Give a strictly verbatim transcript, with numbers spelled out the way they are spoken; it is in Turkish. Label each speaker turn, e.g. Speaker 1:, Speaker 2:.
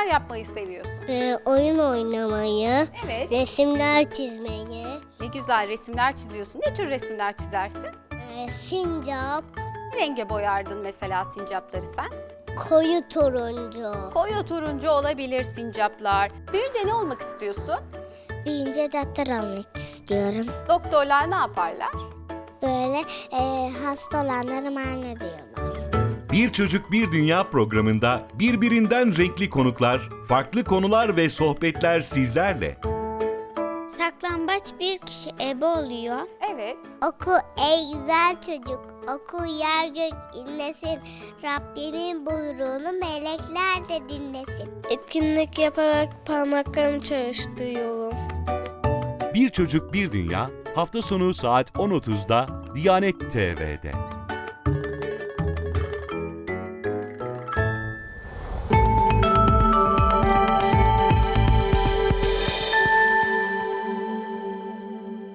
Speaker 1: yapmayı seviyorsun?
Speaker 2: Ee, oyun oynamayı,
Speaker 1: Evet.
Speaker 2: resimler çizmeyi,
Speaker 1: Ne güzel resimler çiziyorsun. Ne tür resimler çizersin?
Speaker 2: ee, sincap,
Speaker 1: Ne renge boyardın mesela sincapları sen?
Speaker 2: koyu turuncu.
Speaker 1: Koyu turuncu olabilir sincaplar. Büyüyünce ne olmak istiyorsun?
Speaker 2: Büyüyünce doktor olmak istiyorum.
Speaker 1: Doktorlar ne yaparlar?
Speaker 2: Böyle ee, hasta olanlara muayene ediyorlar.
Speaker 3: Bir Çocuk Bir Dünya programında birbirinden renkli konuklar, farklı konular ve sohbetler sizlerle.
Speaker 2: Saklambaç bir kişi ebe oluyor.
Speaker 1: Evet.
Speaker 2: Oku ey güzel çocuk, oku yer gök inlesin. Rabbimin buyruğunu melekler de dinlesin.
Speaker 4: Etkinlik yaparak parmaklarımı çalıştırıyorum.
Speaker 3: Bir Çocuk Bir Dünya hafta sonu saat on otuzda Diyanet T V'de.